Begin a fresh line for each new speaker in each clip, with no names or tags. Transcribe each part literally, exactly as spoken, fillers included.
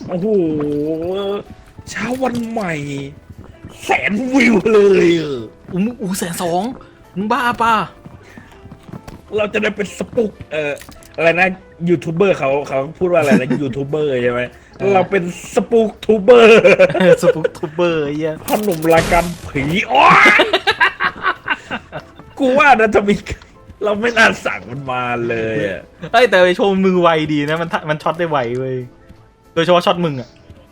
โอ้โหเช้าวันใหม่แสนวิวเลยเออ
อู้อู้แสนสองมึงบ้าป่ะ
เราจะได้เป็นสปุกเอ่ออะไรนะยูทูบเบอร์เขาเขาพูดว่าอะไรนะยูทูบเบอร์ใช่ไหมเราเป็นสปุกทูเบอร์
สปุกทูเบอร์ไอ้เหี้ย
ขนมรายการผีอ๋อกูว่านะทำไมเราไม่น่าสั่งมันมาเลยอะ
เอ้ยแต่ไอโชว์มือไวดีนะมันมันช็อตได้ไวเว้ยโดยเฉพาะช็อตมึงอ่ะ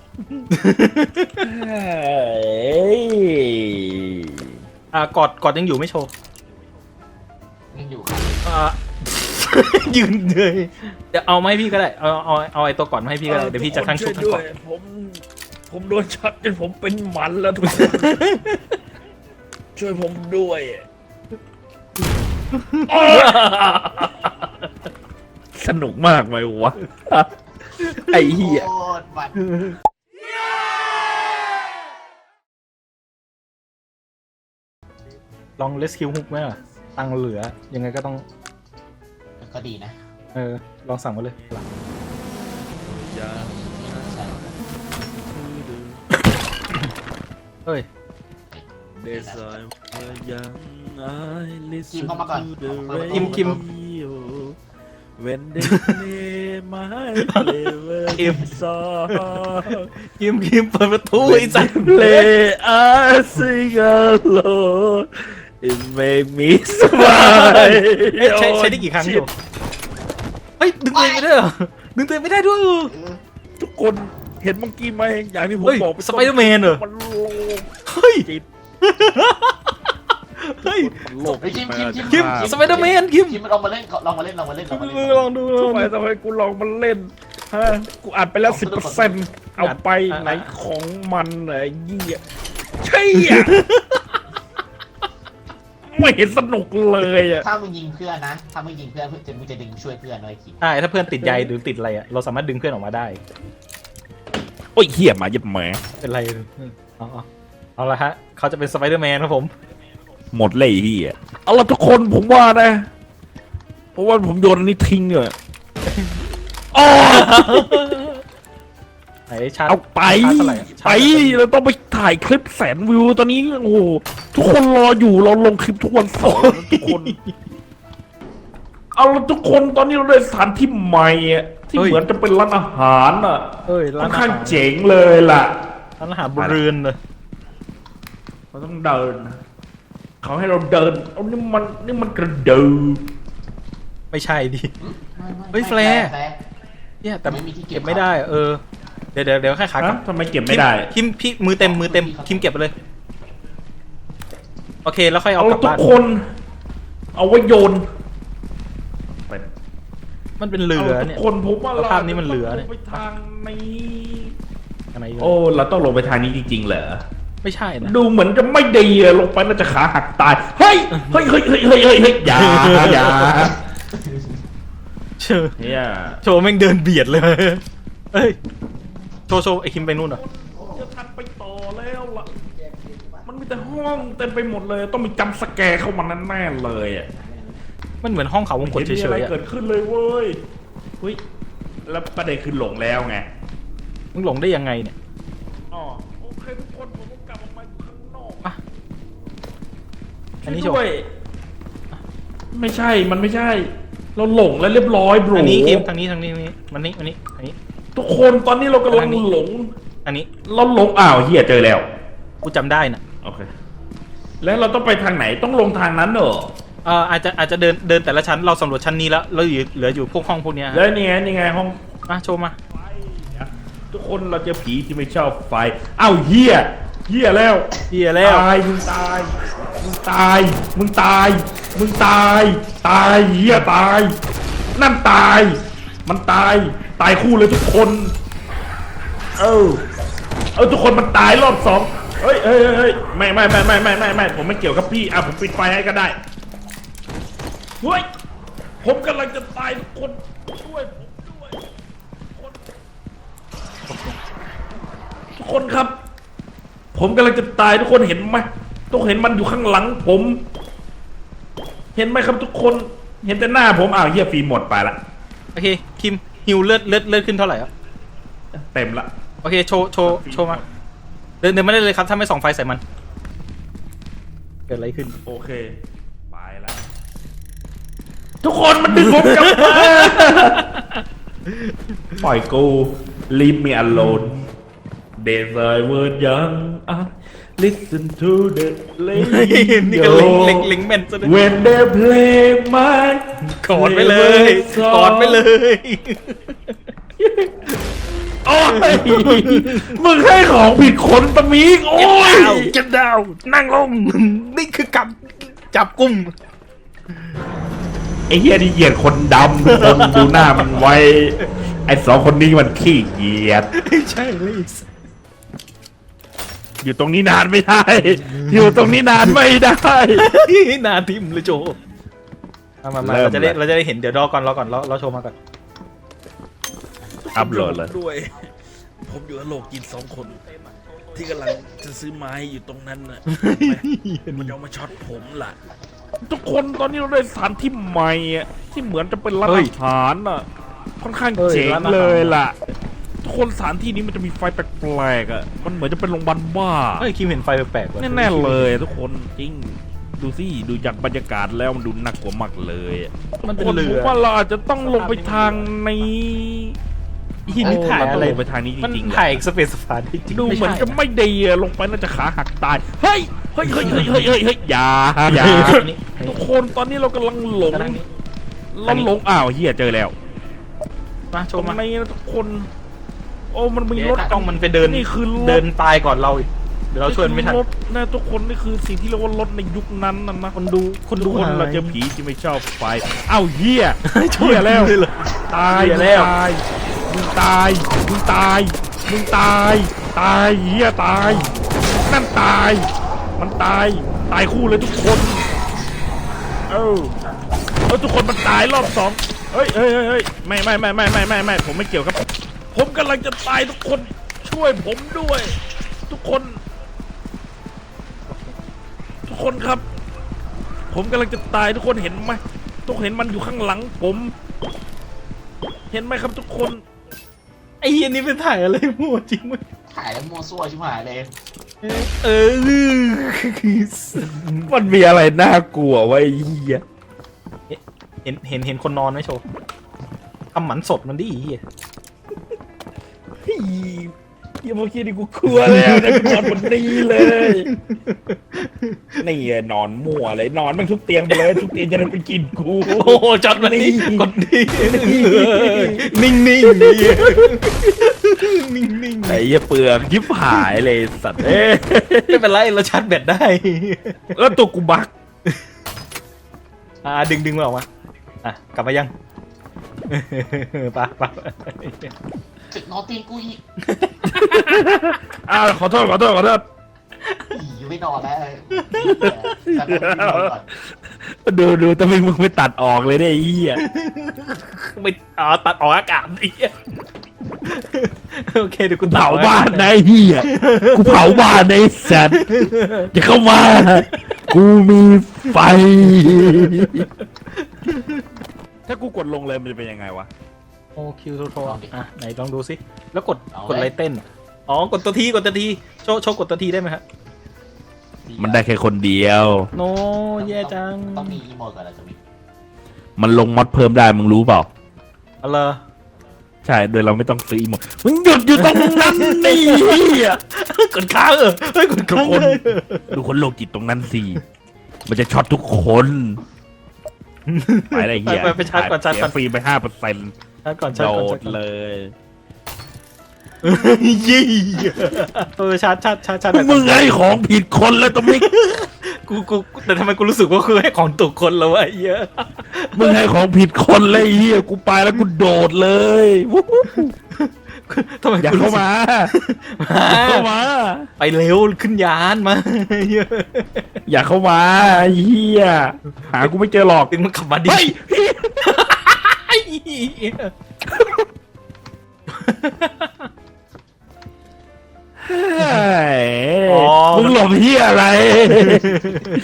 เฮ้ย
อ่ากอดกอดยังอยู่ไม่โชว์
ยังอยู่ครับ
อ่า ยืนเลยเดี๋ยวเอามาให้พี่ก็ได้เอาเอาเอาไอตัวก่อนมาให้พี่ก็ได้เดี๋ยวพี่จะทั้งชุบทั้ง
ด้
ก
ว
อด
ยผมผมโดนช็อตจนผมเป็นหมันแล้วทุกคน ช่วยผมด้วยอ้อสนุกมากไหมวะ ไอ้เหี้ย
โคตรมัน
ลองเลสคิวฮุกไหมล่ะตังค์เหลือยังไงก็ต้อง
ก็ดีนะ
เออลองสั่งมาเลย เฮ้ย
กิมเข้ามาก่อน
กิมกิม
When they play my favorite song
คิมคิมเปิดประตูไอ้สั
When
ส
they play I sing alone It make me smile
เอ้ยใช้ใช้ได้กี่ครั้งอยู่เฮ้ยดึงตัวเองไม่ได้เหรอดึงตัวเองไม่ได้ด้วย
ทุกคนเห็นเมื่อกี้ไหมอย่างที่ผม
เฮ้ย
บอก
สไปเดอร์แมนเหรอ
มันโลก
เฮ้ย
จิต
เฮ้ย
มันโลก
เฮ้ยคิมคิมคิม
คิมสไปเดอร์แมนคิม
คิมลองมาเล่นลองมาเล่นลองมาเล่นลองมาเล่น
ลองดูลอง
ทำ
ดู
ไมทำไมกูลองมันเล่นฮะกูอัดไปแล้วสิบเปอร์เซ็นต์เอาไปไหนของมันไหนเยี่ยใช่อ่ะไม่เห็นสนุกเลยอ่ะ
ถ้ามึงยิงเพื่อนนะถ้ามึงยิงเพื่อนจะมึงจะดึงช่วยเพื่อนเลยคิม
ใช่ถ้าเพื่อนติดใยหรือติดอะไรอ่ะเราสามารถดึงเพื่อนออกมาได้
โอ้ยเหี้ยมาเย็บแหม
เป็นไรเอาเอาเอาละฮะเขาจะเป็นสไปเดอร์แมนครับผม
หมดเลยไอ้เหี้ยเอาละทุกคนผมว่านะ เพราะว่าผมโยนอันนี้ทิ้งเลยอ๋อ
ไหนชาร์จ
เอาไป
ชาร์จเท่าไหร่อะ
ไปเราต้องไปถ่ายคลิปแสนวิวตอนนี้โอ้โหทุกคนรออยู่เราลงคลิปทุกวันเสาร์นะทุกคน เอาละทุกคนตอนนี้เราได้สถานที่ใหม่อะที่เหมือนจะเป็นร้านอาหารอ่ะ
เอ้ย
ค่
ร้า
อน น
อา
ข้าง
หาร
เจ๋งเลยล่ะ
ร้านอาหารบนเรือนเลย
เราต้องเดินนะเขาให้เราเดินเอานี่มันนี่มันกระเดิน
ไม่ใช่ดิ เฮ้ยแฟร์ เนี่ยแต่
ไม่มีที่เก็บ
เก็บไม่ได้เออเดี๋ยวเดี๋ยวเดี๋ยวแค่ขากลั
ฮะ
บ
ทำไมเก็บไม่ได้
คิมพี่มือเต็มมือเต็มคิมเก็บไปเลยโอเคแล้วค่อยเอา
เอา
กลับ
ทุก
บ้าน
คน เอาไว้โยนไป
มันเป็นเรือ
เอาทุ
เนี่ย
กคนผมว่า
แล้วภาพนี้มันเหลือเนี่ย
ไปทางนี้
อะไรอยู่
โอ้เราต้องลงไปทางนี้จริงๆเหรอ
ไม่ใช่นะ
ดูเหมือนจะไม่ดีอะลงไปน่าจะขาหักตาย เฮ้ย เฮ้ยเฮ้ยเฮ้ยเฮ้ยเฮ้ยเฮ้ยอย่าอย่า
เชื่อ
เนี่ย
โชว์แม่งเดินเบียดเลยเอ้ยโชว์โชว์ไอคิมไปนู่นเหรอ
จะทันไปต่อแล้วล่ะ มันมีแต่ห้องเต็มไปหมดเลย ต้องมีจำสแกร์เข้ามาแน่ๆเลยอะ
มันเหมือนห้องเขาวงกตเฉ
ห็นมีอะไร
ยๆอะ
เกิดขึ้นเลยเว้ยเฮ้ยแล้วประเด็นคือหลงแล้วไง
มึงหลงได้ยังไงเนี่ย
อ๋อโอเคทุกคนผมก็กลับออกมาข้างนอก
อ่ะอันนี้
ช่วย
โชว์
ด้วยไม่ใช่มันไม่ใช่ เราหลงแล้วเรียบร้อยบรู
อันนี้คิมทางนี้ทางนี้ทางนี้มันนี้มันนี้อันนี้
ทุกคนตอนนี้เรากำลัง
ทางนี้
หลง
อันนี้
เราหลงอ้าวเฮียเจอแล้ว
กูจำได้น่ะ
โอเค แล้วเราต้องไปทางไหนต้องลงทางนั้นเหรอ
เอ่ออาจจะอาจจะเดินเดินแต่ละชั้นเราสำรวจชั้นนี้แล้วเราอยู่เหลืออยู่พวกห้องพวกเนี้ย
แล้วนี่ไงนี่ไงห้อง
มาโชว์มา
ไฟนะทุกคนเราเจอผีที่ไม่ชอบไฟอ้าวเฮียเฮียแล้ว
เฮียแล้ว
ตายมึงตายมึงตายมึงตายมึงตายตายเฮียตาย นั่นตาย มันตายตายคู่เลยทุกคน เออเออทุกคนมันตายรอบสองเฮ้ยเฮ้ยเฮ้ยไม่ไม่ไม่ไม่ไม่ไม่ไม่ผมไม่เกี่ยวกับพี่อ่ะผมปิดไฟให้ก็ได้เฮ้ยผมกำลังจะตายทุกคนช่วยผมด้วยคนทุกคนครับ ผมกำลังจะตายทุกคนเห็นไหมทุกคนเห็นมันอยู่ข้างหลังผม เห็นไหมครับทุกคนเห็นแต่หน้าผมอ้าวเฮียฟิล์มหมดไปละ
โอเคคิมฮิวเลือดเลือดเลือดขึ้นเท่าไหร่อ่ะ
เต็มละ
โอเคโชว์โชว์โชว์มาเดินเดินไม่ได้เลยครับถ้าไม่ส่องไฟใส่มันเกิดอะไรขึ้น
โอเคไปแล้วทุกคนมันดึงผมกลับมาปล่อยกู leave me alone they say word young ah listen to the
นี่ก็
radio
เล็งเล็งเล็งแม่นซะด้วย
when they play my
กอดไปเลยกอดไปเลย
โอ้ยมึงให้ของผิดคนตะมีกโอ้ย
เก็บดาวนั่งลงนี่คือกับจับกุม
ไอ้เหี้ยนี่เหยียดคนดำทุกคนดูหน้ามันไว้ไอ้สองคนนี้มันขี้เกียจ
ใช่เลย
อยู่ตรงนี้นานไม่ได้ อยู่ตรงนี้นานไม่ได้
นาทิมเลยโจมามามา
เริ่ม
เราจะได้
เลย
เราจะได้เห็นเดี๋ยวรอก่อนรอก่อนเราเราโชว์มาก่อน
อัพโหลดเลย
ด้วย ผมอยู่กับโลกจิตสองคน ที่กำลังจะซื้อไม้อยู่ตรงนั้นน่ะ มันจะเอามาช็อตผมล่ะ
ทุกคนตอนนี้เราได้สถานที่ใหม่อะที่เหมือนจะเป็นร้านอาหารอ่ะค่อนข้างเจ๋งเลยล่ะ ทุกคนสถานที่นี้มันจะมีไฟแปลกๆอ่ะมันเหมือนจะเป็นโรงพยาบาลบ้า
เฮ้ยคิมเห็นไฟแปลกๆว่ะ
แน่ๆเลยทุกคนจริงดูสิดูจากบรรยากาศแล้วมันดูน่ากลัวมากเลยอะ
มันเป็น
คน
เรื
ผม
อ
ว่าเราอาจจะต้องลงไปทางนี้
อีนี่ถ่ายอะไร
ลงไปทางนี้จ
มัน
ริงๆ
ถ่ายสเปซสปาจริงๆ
ดูเหมือน
ไใช่
จะไม่ดีอะลงไปน่าจะขาหักตายเฮ้ยเฮ้ยเฮ้ยเฮ้ยเฮ้ยเฮ้ยเฮ้ยอย่าอย่า
นี่
ทุกคนตอนนี้เรากำลังหลง
ทางนี้
เราหลงอ้าวเฮียเจอแล้ว
มาโช
ตร
ว์
ง
มา
นี้นะทุกคน โอ้มันมีรถ
กล้องมันไปเดิน
นี่คือรถ
เดินตายก่อนเราอีกเดี๋ยวเราช่วยมันไม่ทัน
รถนะทุกคนนี่คือสิ่งที่เรียกว่ารถในยุคนั้นนะนะ
คนดูคนดู
ทุกคน
หาย
เราเจอผีที่ไม่ชอบไฟอ้าวเฮีย
ช่วย
เฮียแล้ว
เลยเหรอ
ตาย
เหี้ยแล้ว
มึงตายมึงตายมึงตายตายเฮียตายนั่นตาย มันตายตายคู่เลยทุกคนเออเออทุกคนมันตายรอบสองเฮ้ยเฮ้ยเฮ้ยเฮ้ยไม่ไม่ไม่ไม่ไม่ไม่ไม่ผมไม่เกี่ยวครับ ผมกำลังจะตายทุกคนช่วยผมด้วย ทุกคน ทุกคนครับ ผมกำลังจะตายทุกคนเห็นไหมทุกคนเห็นมันอยู่ข้างหลังผม เห็นไหมครับทุกคน
ไอ้เหี้ยนี่เป็นถ่ายอะไรมั่วจริงมั้ย
ถ่ายแล้วมัวซั่วชิบหายเลย
เออ
มันมีอะไรน่ากลัววะไอ้เหี้ย
เห็นเห็นเห็นคนนอนไหมโชว์ทำหมันสดมันดิไอ้เหี้ย
เฮ้ยเมื่อกี้นี่กูกลัวแล้วนะกูนอนบนนี้เลย นี่ไงนอนมั่วเลยนอนแมันทุกเตียงไปเลยทุกเตียงจะได้ไปกินกู
โอ้โหจอดมานี่กดดีนิ่งๆนิ่งนิ่งนิ่ง
ไอ้เหี้ยเปลือกยิบหายเลยสัตว์เอ้ย
ไม่เป็นไรเราชาร์จแบตได้
แล้วตัวกูบัก
อ่าดึงดึงมันออกมาอ่ะกลับมายังปะปะ
จุดนอนตีนกูอีก
อ้าวขอโทษขอโทษขอโทษ
อีไม่นอนแล้วแต่ก็ไม่นอนก่อน
ดูดูแต่มึงมึงไม่ตัดออกเลยเนี่ยไอ้เหี้ย
ไม่อ๋อตัดออกอากาศไอ้เหี้ยโอเคเดี๋ยวกู
เผาบ้านนะไอ้เหี้ยกูเผาบ้านนะไอ้สัตว์อย่าเข้ามา กูมีไฟ ถ้ากูกดลงเลยมันจะเป็นยังไงวะ
โอคิวโทรโทรอ่ะไหนลองดูสิแล้วกดกดอะไรเต้นอ๋อกดตัวทีกดตัวทีโชว์โชว์กดตัวทีได้ไหมครับ
มันได้แค่คนเดียว
โนแย่จัง
ต้องมีอีโมดก่อนเราจะมี
มันลงมอดเพิ่มได้มึงรู้เปล่า
อะไร
ใช่โดยเราไม่ต้องซื้ออีโมดมึงหยุดอยู่ตรงนั้นนี่เหี้ย
กดค้างเออเฮ้ยกด
ทุก
ค้าง
คน
เลย
ดูคนโลกจิตตรงนั้นสิมันจะช็อตทุกคนไปอะไรเหี้ย
ไปไปชาร์จก่อนชาร์จก่อน
เสียฟรีไปห้าเปอร์เซ็นต์
ชาร์จก่อนชา
โด
ร์จก่อน
ดเลย
ยี่เออชาร์จชาร์จชาร์จชาร์จ
มึงให้ของผิดคนแล้วตรงนี้
กูกูแต่ทำไมกูรู้สึกว่าคือให้ของถูกคนแล้ววะไอ้เหี้ย
มึงให้ของผิดคนเลยไอ้เฮียกูไปแล้วกูโดดเลยวู้ฮู้
ทำไม
อย่า
กู
เข้า
รู้สึก
มาอย่าเข้ามา
ไปเร็วขึ้นยานมาเหี้ย
อย่าเข้ามาไอ้เฮียหากูไม่เจอหรอก
ตึงมันขับมาดิ
เฮ้ย
ไอ้เหี้ย
เฮ้ยมึงหลบเฮียอะไร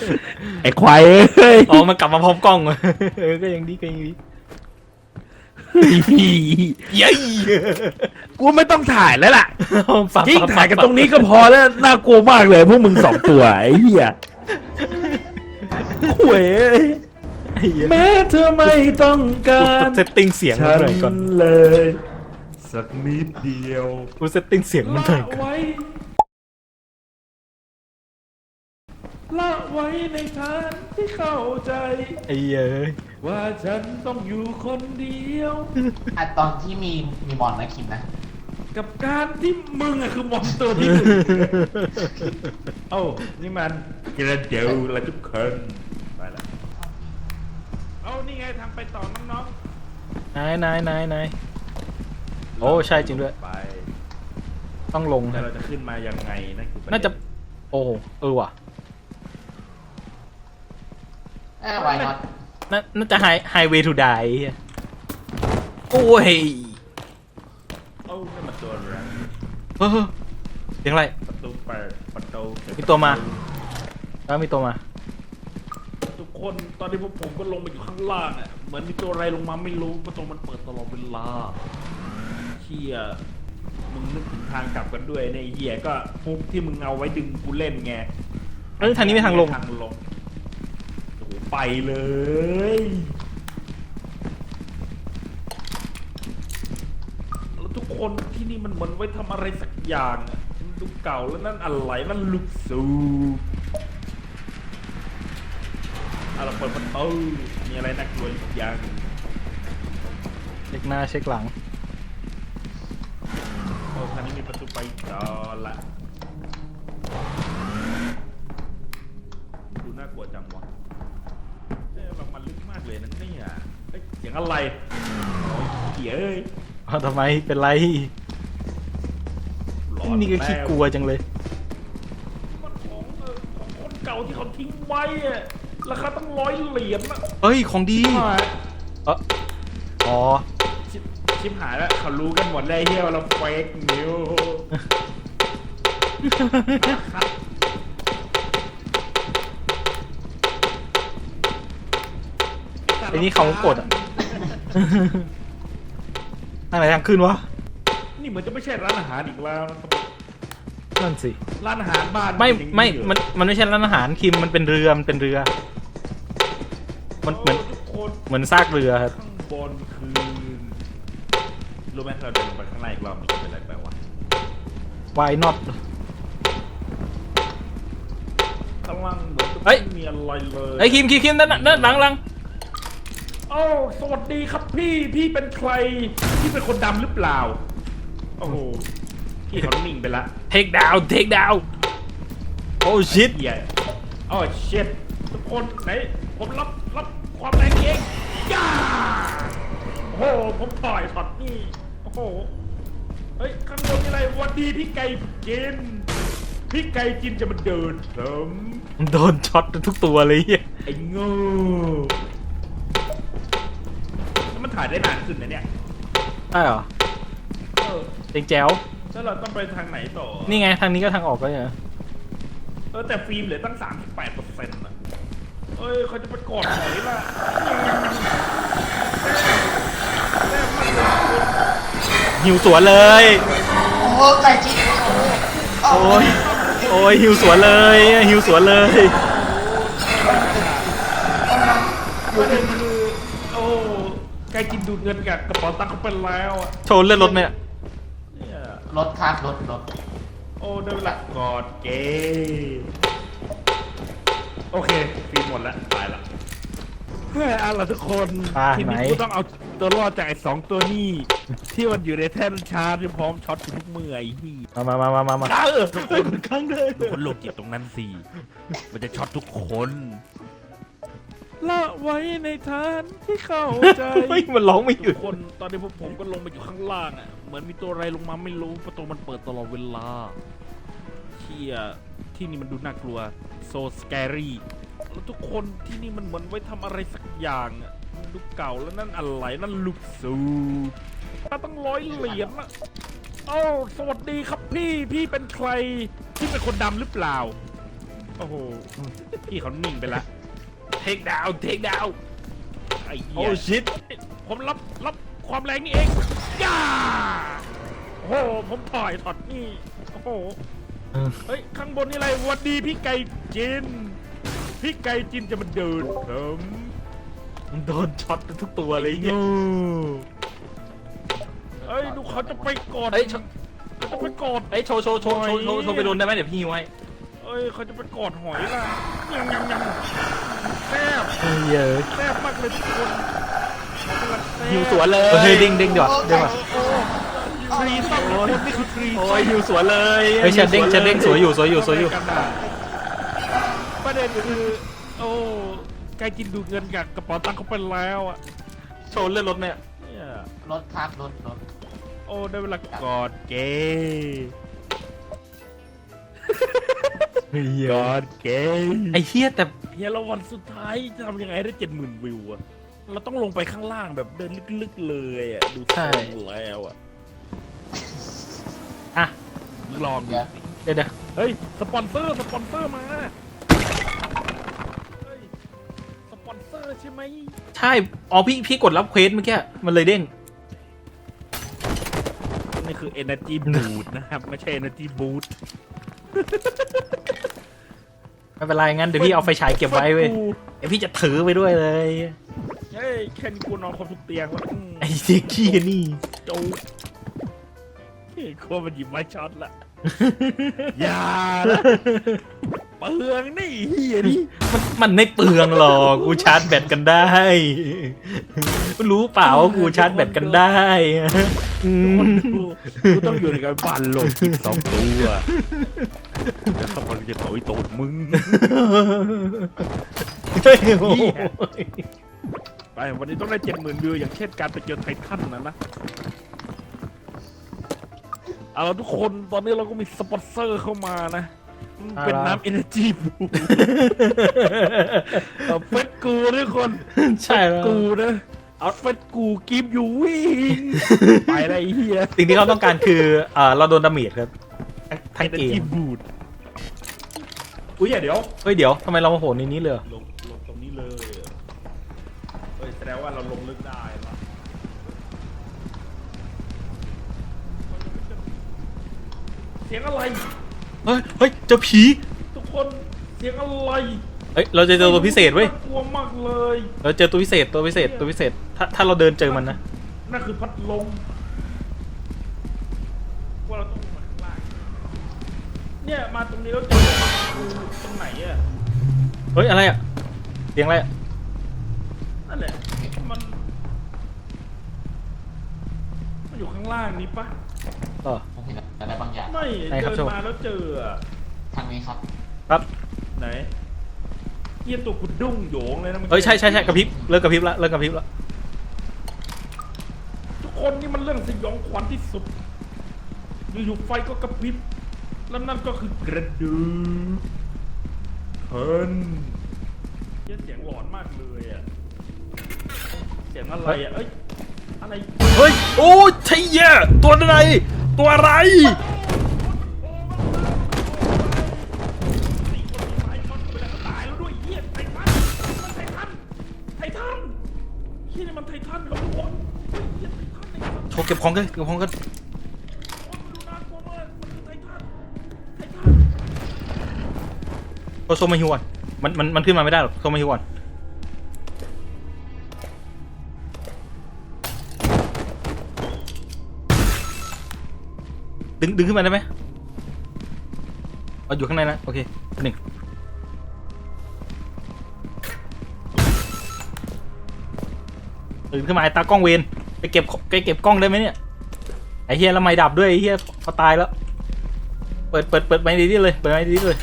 ไอ้ควายเอ้ย
อ๋อมันกลับมาพร้อมกล้องเออก็ยังดีก็ยังดี
เย้ยกูไม่ต้องถ่ายแล้วล่ะ
ฝัก
ยิ่ง
ฝั
ถ่ายกันตรงนี้ก็พอแล้วน่ากลัวมากเลยพวกมึงสองตัวไอ้เหี้ยหวยแม้เธอไม่ต้องกา
กู
ร
เซตติ้งเสียงมัน
ฉัน
หน่อยก่อน
เลย สักนิดเดียว
กูเซตติ้งเสียงมันหน่อยก่อน
ไว้ละไว้ในทางที่เข้าใจ
ไอ้เย้ย
ว่าฉันต้องอยู่คนเดียว
อ่ะตอนที่มีมีมอนนะคิมนะ
กับการที่มึงอะคือมอนสเตอร์ที่หนึ่งเอ้านี่มันกระเดียวละทุกคนไปละเอ้านี่ไงทางไปต่อน้อง
นายนายนายนาย
ๆ
โอ้ใช่จริงด้วย
ไป
ต้องลง
แต่
นะ
เราจะขึ้นมายังไงนั่นคือปรเด็
น่าจะ โอ้เออว่ะ
เอ้าวายน็อต
น่าน่าจะไฮไฮเวย์ทูไดโอ้ย
เอ้านี่มันตัวอะไร
เฮ้ยเสียงอะไร
ประตูเปิดประตูเปิด
มีตัวมา แล้วมีตัวมา
ทุกคนตอนนี้พวกผมก็ลงมาอยู่ข้างล่างอ่ะเหมือนมีตัวอะไรลงมาไม่รู้ประตูมันเปิดตลอดเวลาเฮียมึงนึกถึงทางกลับกันด้วยเนี่ยไอ้เฮียก็ฮุกที่มึงเอาไว้ดึงกูเล่นไง
เอ้ยทางนี้ไม่ทางลง
ทางลงโอ้โหไปเลย แล้วทุกคนที่นี่มันเหมือนไว้ทำอะไรสักอย่างอะมันดูเก่าแล้วนั่นอะไรนั่นลูกสูบเอาเราเปิดประตูมีอะไรน่ากลัวอีกอย่าง
เช็คหน้าเช็คหลัง
โอ้ทางนี้มีประตูไปต่อละดูน่ากลัวจังวะเอ๊ะแบบมันลึกมากเลยนะเนี่ยเอ้ยเสียงอะไรโอ้ยเหี้ยเอ้ย
เอาทำไมเป็นไร
หลอน
นี่ก็ขี้กลัวจังเลย
มันของเออของคนเก่าที่เขาทิ้งไว้อะราคาตั้งร้อยเหรียญอะ
เฮ้ย ของดี
หาย
เอออ๋อ
ชิบชิบหายแล้วเขารู้กันหมดเลยเฮียว่าเราเฟกนิว
ไอ้นี่เขากดอ่ะ ทางไหนทางขึ้นวะ
นี่เหมือนจะไม่ใช่ร้านอาหารอีกแล้วนะครับ
นั่นสิ
ร้านอาหารบ้าน
ไม่
เป็นอย่าง
ไม่
เหรอ
มัน มันไม่ใช่ร้านอาหารคิม มันเป็นเรือ มันเป็นเรือ มันเหมือน
โทุกคน
เหมือนซากเรือครับ
ข้างบนคือรู้ไหมเราเดินลงไปข้างในอีกรอบมันจะเป็นอะไรไปวะ
Why not
ข้างล่างเหมือนจะ
เฮ้ย
ไม่มีอะไรเลย
ไอ้ยคิมคิมคิมนั่นน่ะนั่นหลังหลัง
โอ้สวัสดีครับพี่พี่เป็นใครพี่เป็นคนดำหรือเปล่าโอ้โหพี่เขานิ่งไปละ
take down take down โอ้ shit
เหี้ยโอ้เช็ดทุกคนไหนผมรับรับความแรงเองย่าโอ้โหผมต่อยช็อตนี่โอ้โหเฮ้ยข้างบนมีอะไรวันดีพี่ไก่กินพี่ไก่กินจะมาเดินผม
โดนช็อตทุกตัวเลยเหี้ย
ไอ้โง่แล้วมันถ่ายได้นานขึ้นนะเนี่ย
ใช่เหรอ
เออ
เจ๋งแจ๋ว
แล้วเราต้องไปทางไหนต่อ
นี่ไงทางนี้ก็ทางออกก็เนี่ย
เออแต่ฟิล์มเหลือตั้ง สามสิบแปดเปอร์เซ็นต์ อ่ะเอ้ยเขาจะไปกอดไหนล่ะแม่มันเลย
หิวสวนเลย
โอ้โหไก่จิ๊กโอ้โห
โอ้ย โอ้ยหิวสวนเลยหิวสวนเลย
ประเด็นคือโอ้ใกล้กินดูดเงินกับกระเป๋าตังค์เขาไปแล้วอ่ะ
โชว์เลือดรถไหมเนี่ย
เนี่ย
รถครับรถรถ
โอ้ได้เวลากอดเกย์โอเคฟิล์มหมดแล้วตายละเฮ้ยเอาล่ะทุกคน
อ่า
ที
ไหน
นี้กูต้องเอาตัวรอดจากไอ้สองตัวนี้ ที่มันอยู่ในแท่นชาร์จที่พร้อมช็อตทุกเมื่อไอ้ที่
มามามามามา
เออทุกคนครั้งเลยทุกคนโลกจิตตรงนั้นสิมันจะช็อตทุกคนละไว้ในทานที่เข้าใจ
เฮ้ยมันร้องไม่หยุ
ทุ
ด
กคนตอนนี้พวกผมก็ลงมาอยู่ข้างล่างอ่ะเหมือนมีตัวอะไรลงมาไม่รู้ประตูมันเปิดตลอดเวลาเที่ยที่นี่มันดูน่ากลัวโซสแกรี่แล้วทุกคนที่นี่มันเหมือนไว้ทำอะไรสักอย่างอ่ะมันดูเก่าแล้วนั่นอะไรนั่นลูกสูบถ้าต้องร้อยเหรียญอ่ะโอ้สวัสดีครับพี่พี่เป็นใครพี่เป็นคนดำหรือเปล่าโอ้โหพี่เขานิ่งไปละเทคดาวเทคดาวไอ้เหี้
โอ้
ย
ชิต
ผมรับรับคความแรงนี่เองย่าโอ้โหผมถอยถอดนี่โอ้โหเฮ้ยข้างบนนี่อะไรหวันดีพี่ไก่จินพี่ไก่จินจะมาเดินผม
มันโดนช็อตทุกตัวเลย
โอ้เฮ้ยดูเขาจะไปกอด
เฮ้ย
เขาจะไปกอด
เอ้ยโชว์โชว์โชว์โชว์โชว์โชว์ไปโดนได้ไหมเดี๋ยวพี่ไว้
เอ้ยเขาจะไปกอดหอยล่ะยังยังยังแซ่บ
เยอะ
แซ่บมากเลยทุกคนเขากำลังแซ่บ
หิวสวนเลยเฮ้ยเด้งเด้งเดี๋ยวเด้งว่ะ
ทรีต้องคนนี่คือทรี
โอ้ยหิวสวนเลยเฮ้ยเชดเด้งเชดเด้งสวยอยู่สวยอยู่สวยอยู่
ประเด็นคือโอ้ไกกินดูเงินกับกระเป๋าตังค์เขาไปแล้วอ่ะ
โชว์เลื่อนรถเนี่ย
เนี่ย
รถครับรถรถ
โอ้ได้เวลากอดเกย์ กอดเกย์
ไอ้เหี้ยแต่
เฮียแล้ววันสุดท้ายจะทำยังไงให้ได้เจ็ดหมื่นวิวอะเราต้องลงไปข้างล่างแบบเดินลึกๆเลยอะดูทรงแล้วอะ
อ่ะ
ลองดู
เดี๋ยว
เดี๋ยวเดี๋ยว
เฮ้ยสปอนเซอร์สปอนเซอร์มาเฮ้ยสปอนเซอร์ใช่ไหม
ใช่อ๋อพี่พี่กดรับเควสเมื่อกี้มันเลยเด้ง
นี่คือ Energy Boost นะครับไม่ใช่ Energy Boost
ไม่เป็นไรงั้นเดี๋ยวพี่เอาไฟฉายเก็บไว้เว้ยเดี๋ยวพี่จะถือไปด้วยเลย
เฮ้ยแค่นี้กูนอนครบทุกเตียงแล้วอืม
ไอ้เจ๊กี้นี่
จูเฮ้ยโคตรมันหยิบไม้ช็อตละ อย่าละเปลืองนี่เฮียนี่
มันมันไม่เปลืองหรอกกูชาร์จแบตกันได้รู้เปล่าว่ากูชาร์จแบตกันได้อืม
กูกูต้องอยู่ในการบันโลกอีกสองตัวแล้วสักวันจะต่อยตูดมึง
เฮ้ยโอ้ย
ไปวันนี้ต้องได้เจ็ดหมื่นวิวอย่างเช่นการไปเจอไททันนะนะเอาละทุกคนตอนนี้เราก็มีสปอนเซอร์เข้ามานะมันเป็นน้ำเอเนจีบูเอาเฟสกูทุกคน
ใช่แล้ว
กูนะเอาเฟสกูกิฟอยู่วิ่งไปอะไรเฮีย
สิ่งที่เขาต้องการคือเอ่อเราโดนดาเมจครับทั้งเกม
บูดอุ้ยอย่าเดี๋ยว
เฮ้ยเดี๋ยวทำไมเรามาโผล่ในนี้เลยเหรอ
ลงลงตรงนี้เลยเฮ้ยแสดงว่าเราลงลึกได้เหรอเสียงอะไร
เฮ้ยเฮ้ยเจอผี
ทุกคนเสียงอะไร
เฮ้ยเราจะเจอตัวพิเศษเว้ย
กลัวมากเลย
เราเจอตัวพิเศษตัวพิเศษตัวพิเศษถ้าถ้าเราเดินเจอมันนะ
นั่นคือพัดลมว่าเราต้องมาข้างล่างเนี่ยมาตรงนี้แล้วเจอกูตรงไหนอะ
เฮ้ยอะไรอ่ะเสียงอะไรอ่ะ
นั่นแหละมันมันอยู่ข้างล่างนี้ปะ
เออ
ผมเห็นอะไรบางอย่าง
ไม่
ไหนครับ
เดิน
โชว์
มาแล้วเจออะ
ทางนี้ครับ
ครับ
ไหนเยี่ยตัวกุดดุ้งโหยงเลยนะมัน
เฮ้ยใช่ใช่ใช่กระพริบเลิกกระพริบละเลิกกระพริบละ
ทุกคนนี่มันเรื่องสยองขวัญที่สุดอยู่ๆไฟก็กระพริบแล้วนั่นก็คือกระดูกเฮินเยี่ยเสียงหลอนมากเลยอะเสียงอะไรอะเอ้ยอะไร
เฮ้ยโอ้ใช่แย่ตัวอะไรตัวอะไร
ไอ้คนที่ตายมันไปแล้วก็ตายแล้วด้วยเหี้ยไททันมันไททันไททันเหี้ยนี่มันไททันครับทุกคนเหี้ยไททันไททัน
โชว์เก็บของกันเก็บของกัน
โอ้ยมันดูน่ากลัวมากมันคือไททันไททัน
โชว์โชว์มาฮิวก่อนมันมันมันขึ้นมาไม่ได้หรอกโชว์มาฮิวก่อนดึงดึงขึ้นมาได้ไหมเอาอยู่ข้างในนะโอเคหนึ่งตื่นขึ้นมาไอ้ตากล้องเวนไปเก็บไปเก็บกล้องได้ไหมเนี่ยไอ้เฮียแล้วไม่ดับด้วยไอ้เฮียเขาตายแล้วเปิดเปิดเปิดไม้ดีๆเลยเปิดไม้ดีๆเลย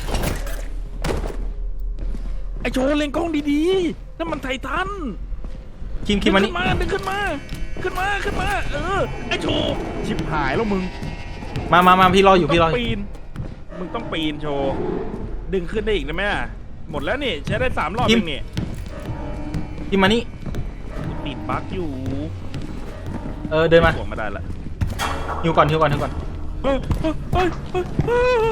ไอโชว์เล็งกล้องดีๆนั่นมันไททัน
คิมคิมมานี่
ดึงขึ้นมาดึงขึ้นมาขึ้นมาขึ้นมาเออไอโชว์ชิบหายแล้วมึง
มามามาพี่รออยู่พี่รอ
มึงต้งปีนมึงต้องปีนโชว์ดึงขึ้นได้อีกได้ไหมอะหมดแล้วนี่ใช้ได้สามรอบเองนี่
คิมมานี่
ติดบั๊กอยู่
เออเดินมา
ถ่วงมาได้ละ
ฮิวก่อนฮิวก่อนฮิวก่อน
เฮ้ยเฮ้ยเฮ้ยเฮ้ยเฮ้ย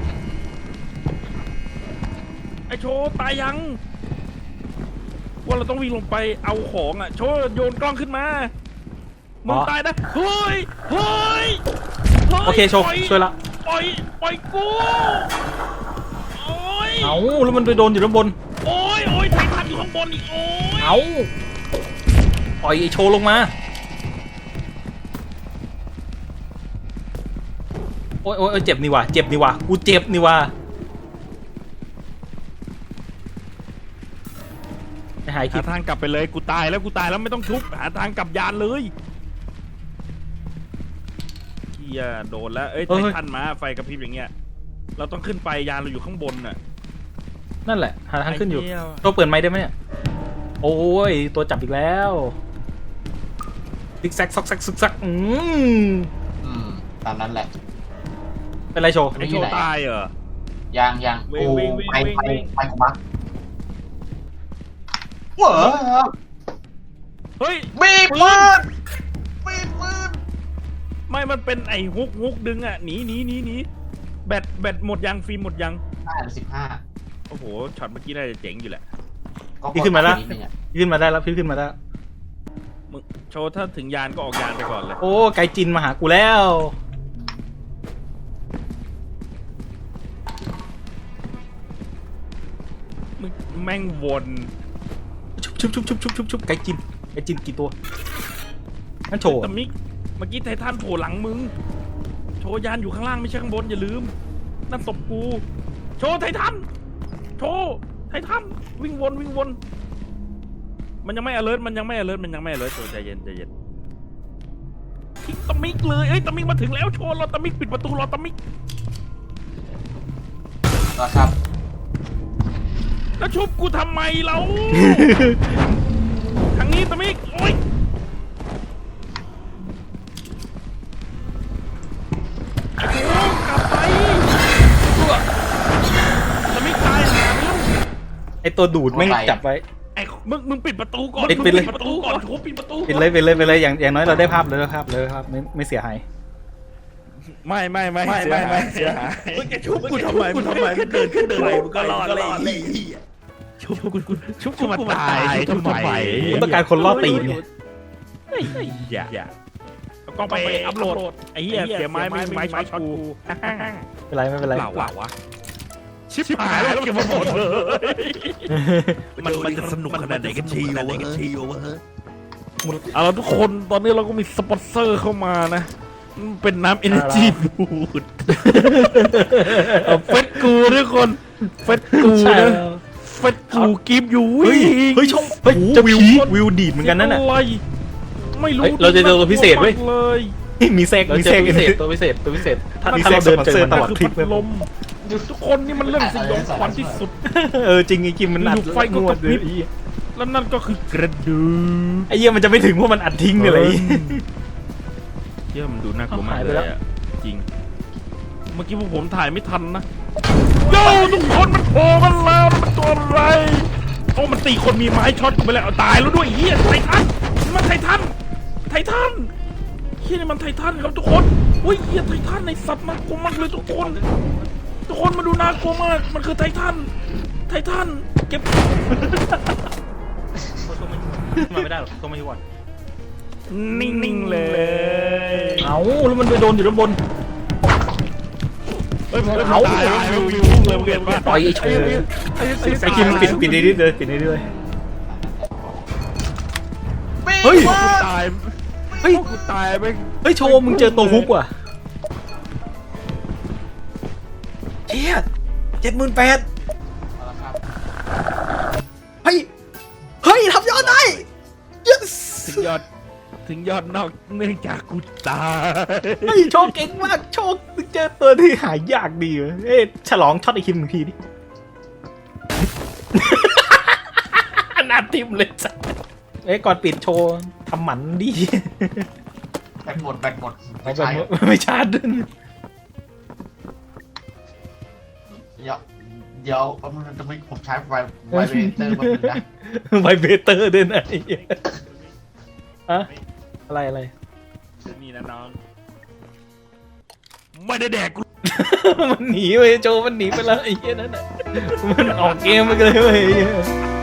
ไอโชว์ตายยัง ว่าเราต้องวิ่งลงไปเอาของอ่ะโชว์โยนกล้องขึ้นมา
มึงตายนะเฮ้ยเฮ้ยฮ้ย
โอเคโชว์
ปล่
ช่วยละ
ปล่อยปล่อยกูโอ้ย
เอาแล้วมันไปโดนอยู่ด้านบน
โอ้ยโอ้ยไททันอยู่ข้างบนอีกโอ้ย
เอาปล่อยไอ้โชว์ลงมาโอ้ยโอ้ยเจ็บนี่ว่ะเจ็บนี่ว่ะกูเจ็บนี่ว่ะไปหายคิ
หา
ด
ทางกลับไปเลยกูตายแล้วกูตายแล้วไม่ต้องทุบหาทางกลับยานเลยเฮียโดนแล้วเอ้ยไททันมาไฟกระพริบอย่างเงี้ยเราต้องขึ้นไปยานเราอยู่ข้างบนน่ะ
นั่นแหละหาทางขึ้นอยู่
ไเหี้
ตัวเปิดไม้ได้ไหมเนี่ยโอ้ยตัวจับอีกแล้วซิกแซกซอกแซกซึกซักอืม
อืมตามนั้นแหละ
เป็นไรโชว์
ไอโชว์ตายเหรอ
ยังยัง
วิ่
โอ้
งวิ่งวิ่ง
ไป
วิ่ง
ไป
วิ่ง
ไปของบักเหวอ
เฮ้ย
บีบปืนบีบปืน
ไม่มันเป็นไอ้ฮุกฮุกดึงอ่ะหนีหนีหนีหนีแบตแบตหมดยังฟิล์มหมดยัง
ห้าหรือสิบห้า
โอ้โหช็อตเมื่อกี้น่าจะเจ๋งอยู่แหละ
พี่ขึ้นมาแล้ว
ดดงอะ
พี่ขึ้นมาได้แล้วพี่ขึ้นมาได้แล้ว
มึงโชว์ถ้าถึงยานก็ออกยานไปก่อนเลย
โอ้ไกจินมาหากูแล้ว
มึงแม่งวน
ชุบชุบชุบชุบชุบชุบชุบไกจินไกจินกี่ตัวนั่นโชว์
แต่มิกเมื่อกี้ไททันโผล่หลังมึงโชว์ยานอยู่ข้างล่างไม่ใช่ข้างบนอย่าลืมนั่นตบกูโชว์ไททันโชว์ไททันวิ่งวนวิ่งวนมันยังไม่ alert มันยังไม่ alert มันยังไม่ alert โชว์ใจเย็นใจเย็นทิ้งตะมิกเลยเอ้ยตะมิกมาถึงแล้วโชว์รอตะมิกปิดประตูรอตะมิก
ก็ครับ
แล้วชุบกูทำไมเรา ทางนี้ตะมิกโอ๊ยไอ้กูกลับไปตะมิกตายหาไปแล้ว
ไอตัวดูดแม่งจับไว้
ไอ้มึงมึงปิดประตูก่อน
ปิดปิดเลย
มึงประตูก่อนโชว์ปิดประตู
ปิดเลยปิดเลยปิดเลยอย่างอย่างน้อยเราได้ภาพเลยได้ภาพเลยครับไม่ไม่เสียหาย
ไม่ไม่ไม่ไม่ไม่ไม่เสียหายมึงจะชุบกูทำไมมึงทำไมมึงเดินขึ้นเดินไปมึงก็รอดเลยชุบกูชุบกูมาตายชุบทำไม
กูต้องการคนล่อตีนไง
อย่าอย่าก็ไปอัพโหลดไอ้เหี้ยเสียไม้ไม่ไม้ช็อตกู
ไม่เป็นไรไม่เป็นไร
เปล่าวะวะชิบหายแล้วเก็บมาหมดเลยมันมันจะสนุกขนาดไหนกันชีวะเอาละทุกคนตอนนี้เราก็มีสปอนเซอร์เข้ามานะเป็นน้ำเอเนจีบูดเฟสกูทุกคนเฟสกูนะเฟสกูกิฟอยู่
เฮ้ยเฮ้ยชงเฮ้ยจะวิววิวดีดเหมือนกันนั่นน่ะ
ไม่รู้
เฮ้ยเราจะเจอตัวพิเศษเว้ย
เลย
มีแทรกมีแทรกพิเศษตัวพิเศษตัวพิเศษถ้าถ้าเราเดินเจอมันตลอดทริป
คือพัดลมทุกคนนี่มันเรื่องสยองขวัญที่สุด
เออจริงไอ้กิมมันอัด
อยู่ไฟก็
ง
ก
ว
ระ
ด
พริบ
เลย
แล้วนั่นก็คือกระดูก
ไอ้เหี้ยมันจะไม่ถึงเพราะมันอัดทิ้งเลย
เยี่ยมันดูน่ากลัวมาก
หายไป
เล
แล้ว
ยอะจริง เมื่อกี้พวกผมถ่ายไม่ทันนะโย่ทุกคนมันโผล่กันแล้วมันตัวอะไรโอ้มันตีคนมีไม้ช็อตกูไปแล้วเอาตายแล้วด้วยเฮียไททันนี่มันไททันไททันเฮียนี่มันไททันครับทุกคนโอ้ยเฮียไททันในสัตว์น่ากลัวมากเลยทุกคน ทุกคนมาดูน่ากลัวมากมันคือไททันไททันเก็บ
มาไม่ได้หรอกต้องไม่ก่อน
นิ่งๆเลย
เอาแล้วมันไปโดนอยู่ด้านบน
เฮ้ยมัน
เอา
ตายวิววิวเลยเรียนว่า
ปล่อยไอ้โชว์ไอ้กิมปิดปิดนิดเลยปิดนิดเลย เฮ้ย
กูตาย
เฮ้ย
กูตายไป
เฮ้ยโชว์มึงเจอตัวฮุกว่ะเชี่ยเจ็ดหมื่นแปด
เอาละครับ
เฮ้ยเฮ้ยทำยอดได้ yes
ถึงยอดถึงยอดนอกเนื่องจากกูตาย
เฮ้ยโชว์เก่งมากโชว์มึงเจอตัวที่หายากดีเว้ยเอ้ยฉลองช็อตไอ้คิมหนึ่งทีดิ หน้าทิมเลยจ้ะเอ้ยก่อนปิดโชว์ทำหมันดิ
แบตหมดแบตหมด
ไม่
ไม่ใช่
ไม่ชาร์จด้วย
เดี๋ยวเดี๋ยวมันจะไม่ผมใช้ไวไวเบรเตอร์มาเป็นนะ
ไวเบเตอร์ด้วยนะไอ้เหี้ยอะอะไรอะไร
นี่นะน้องไม่ได้แดกกู
มันหนีไปโจมันหนีไปแล้วไอ้เหี้ยนั่นน่ะมันออกเกมไปเลยเว้ย